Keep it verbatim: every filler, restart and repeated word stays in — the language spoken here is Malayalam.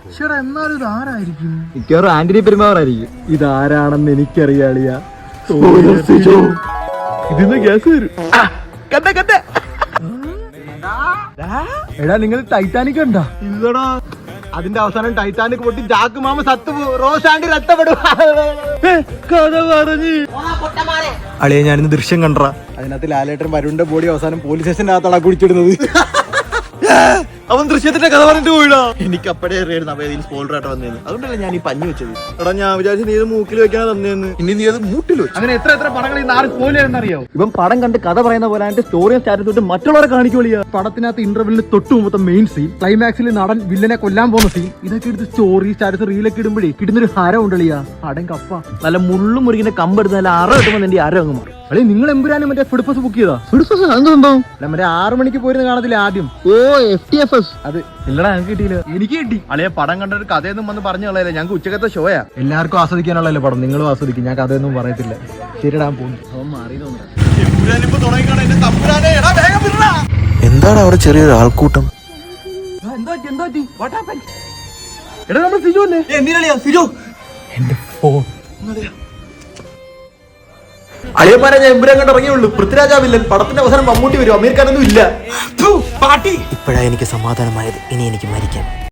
എന്നാലും ഇത് ആരായിരിക്കും? മിക്കവാറും ആന്റണി പെരുമാറായിരിക്കും. ഇതാരാണെന്ന് എനിക്കറിയാളിയാ. ഇതിന്ന് ഗ്യാസ് വരും. എടാ നിങ്ങൾ ടൈറ്റാനിക് കണ്ടാ? ഇല്ലടാ, അതിന്റെ അവസാനം ടൈറ്റാനിക് പൊട്ടി ജാക്ക് മാമ സത്തു റോസ് ആന്റി രക്ഷപ്പെടും. കഥ പറഞ്ഞ് അളിയെ ഞാനിന്ന് ദൃശ്യം കണ്ടറ. അതിനകത്ത് ലാലേട്ടൻ വരുണിന്റെ ബോഡി അവസാനം പോലീസ് സ്റ്റേഷന്റെ അകത്താണ് കുടിച്ചിടുന്നത്. അവൻ ദൃശ്യത്തിന്റെ കഥ പറഞ്ഞിട്ട് പോയിടാ. എനിക്ക് അപ്പഴേ അറിയായിരുന്നു അവ ഇതിൽ സ്പോയിലർ ആയിട്ട് വന്നേന്ന്. അതുകൊണ്ടല്ലേ ഞാൻ ഈ പഞ്ഞു വെച്ചത്. എടാ ഞാൻ വിചാരിച്ചു നീ ഇത് മൂക്കിൽ വെക്കാനാ തന്നേന്ന്. ഇനി നീ അത് മൂട്ടിൽ വെച്ചു. അങ്ങനെ എത്ര എത്ര പടങ്ങൾ ഈ നാല് സ്പോയിലർ. ഇവൻ പടം കണ്ട് കഥ പറയുന്ന പോലെ അതിന്റെ സ്റ്റോറിയും സ്റ്റാറ്റസ് തൊട്ട് മറ്റുള്ളവരെ കാണിക്കോളിയാ. പടത്തിനകത്ത് ഇന്റർവെല്ലിന് തൊട്ട് മുമ്പത്തെ മെയിൻ സീൻ, ക്ലൈമാക്സിൽ നടൻ വില്ലനെ കൊല്ലാൻ പോകുന്ന സീൻ, ഇതൊക്കെ എടുത്ത് സ്റ്റോറി സ്റ്റാറ്റസ് റീലൊക്കെ ഇടുമ്പോഴേ കിട്ടുന്നൊരു ഹരം ഉണ്ടളിയാ. പടം കപ്പ നല്ല മുള്ളും മുറിക്കുന്ന കമ്പെടുത്ത് നല്ല അറ കിട്ടുമ്പോൾ നിന്റെ അര അങ്ങ് മാറും. അളി നിങ്ങൾ എമ്പുരാനും മറ്റേ ഫുഡ് ബുക്ക് ചെയ്താ? അല്ല മറ്റേ ആറു മണിക്ക് പോയിരുന്ന കാണത്തില്ല ആദ്യം. ഓ എഫ് ടി എഫ് എസ്. അത് ഇല്ലടാ ഞങ്ങൾക്ക് കിട്ടിയില്ല. എനിക്ക് കിട്ടി. അളിയെ പടം കണ്ടൊരു കഥയൊന്നും വന്ന് പറഞ്ഞു കളയല്ലേ. ഞങ്ങൾക്ക് ഉച്ചക്കത്തെ ഷോയാ. എല്ലാവർക്കും ആസ്വദിക്കാനുള്ളല്ലേ പടം. നിങ്ങളും ആസ്വദിക്കും. ഞാൻ കഥയൊന്നും പറയത്തില്ല. ശരിടാൻ പോകുന്നു. അവൻ മാറി എന്താണ് അവിടെ ചെറിയൊരു ആൾക്കൂട്ടം? എടാ നമ്മൾ സിജു അല്ലേ? എന്റെ ഫോൺ അളിയന്മാരെ ഞാൻ എമ്പുരാൻ കണ്ട് ഇറങ്ങിയുള്ളൂ. പൃഥ്വിരാജാവില്ലൻ. പടത്തിന്റെ അവസാനം മമ്മൂട്ടി വരും. അമീർ ഖാനൊന്നും ഇല്ല. ഇപ്പോഴാണ് എനിക്ക് സമാധാനമായത്. ഇനി എനിക്ക് മരിക്കാം.